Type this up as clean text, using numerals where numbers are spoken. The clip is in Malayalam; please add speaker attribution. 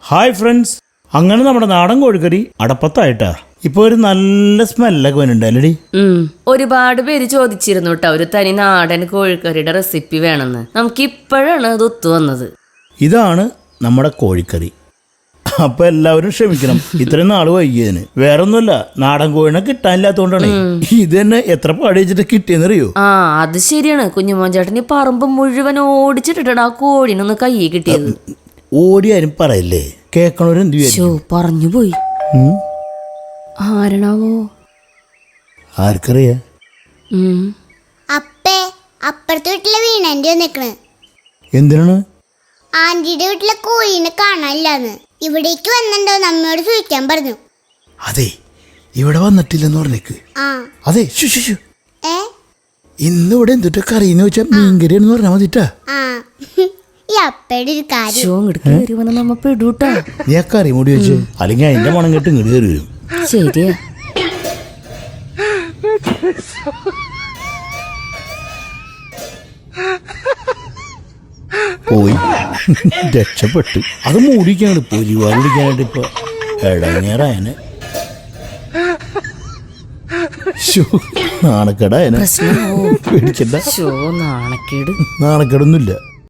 Speaker 1: ഹായ് ഫ്രണ്ട്സ്, അങ്ങനെ നമ്മുടെ നാടൻ കോഴിക്കറി അടപ്പത്തായിട്ടാ. ഇപ്പൊ ഒരു നല്ല സ്മെല്ലൊക്കെ വരുന്നുണ്ടല്ലേ?
Speaker 2: ഒരുപാട് പേര് ചോദിച്ചിരുന്നു കേട്ടോ, ഒരു തനി നാടൻ കോഴിക്കറിയുടെ റെസിപ്പി വേണമെന്ന്. നമുക്ക് ഇപ്പോഴാണ് അത് ഒത്തു വന്നത്.
Speaker 1: ഇതാണ് നമ്മുടെ കോഴിക്കറി. അപ്പൊ എല്ലാവരും ക്ഷമിക്കണം ഇത്രയും നാള് വൈകിയതിന്. വേറൊന്നുമല്ല, നാടൻ കോഴിനെ കിട്ടാനില്ലാത്തോണ്ടാണ്. ഇത് തന്നെ എത്ര പാടിച്ചിട്ട് കിട്ടിയെന്നറിയോ?
Speaker 2: ആ, അത് ശരിയാണ്. കുഞ്ഞുമോൻ ചേട്ടൻ ഈ പറമ്പ് മുഴുവൻ ഓടിച്ചിട്ടിട്ടാണ് ആ കോഴിനൊന്ന് കൈ കിട്ടിയത്.
Speaker 1: ഓടിയാരും പറയല്ലേ, കേക്കണവരും എന്ത് വിചാരിക്കും?
Speaker 2: പറഞ്ഞു പോയി. ആരണാവോ?
Speaker 1: ആർക്കറിയാ?
Speaker 3: അപ്പേ, അപ്പുറത്തെ വീട്ടിലെ വീണന്റെ നിക്കണ്.
Speaker 1: എന്തിനാണ്?
Speaker 3: ആന്റിയുടെ വീട്ടിലെ കോഴീനെ കാണാനില്ലാന്ന്. ഇവിടേക്ക് വന്നിട്ടുണ്ടോ നമ്മയോട് ചോദിക്കാൻ പറഞ്ഞു.
Speaker 1: അതെ, ഇവിടെ വന്നിട്ടില്ലെന്ന് പറഞ്ഞേക്ക്. അതെ, ഇന്ന് ഇവിടെ എന്തിട്ട് കറിയെന്ന് വെച്ചാ മീൻകറിയാണെന്ന് പറഞ്ഞാൽ മതിട്ടാ.
Speaker 3: ഈ അപ്പയുടെ ഒരു കാര്യം
Speaker 2: നമ്മ പെടൂട്ടാ.
Speaker 1: നീ ആ കറി മൂടി വെച്ച്, അല്ലെങ്കിൽ അതിന്റെ മണം കേട്ട് ഇങ്ങോട്ട് കയറി വരും.
Speaker 2: ശരിയാ.
Speaker 1: പോയി രക്ഷപ്പെട്ടു. അത് മൂടിക്കാണ് പൊരിവാൻ പിടിക്കാനായിട്ട് ഇപ്പൊ ഇടങ്ങേറായനെ. നാണക്കേടായനെ.
Speaker 2: പ്രശ്നമോ?
Speaker 1: പേടിക്കണ്ട,
Speaker 2: നാണക്കേട്
Speaker 1: നാണക്കേടൊന്നുമില്ല.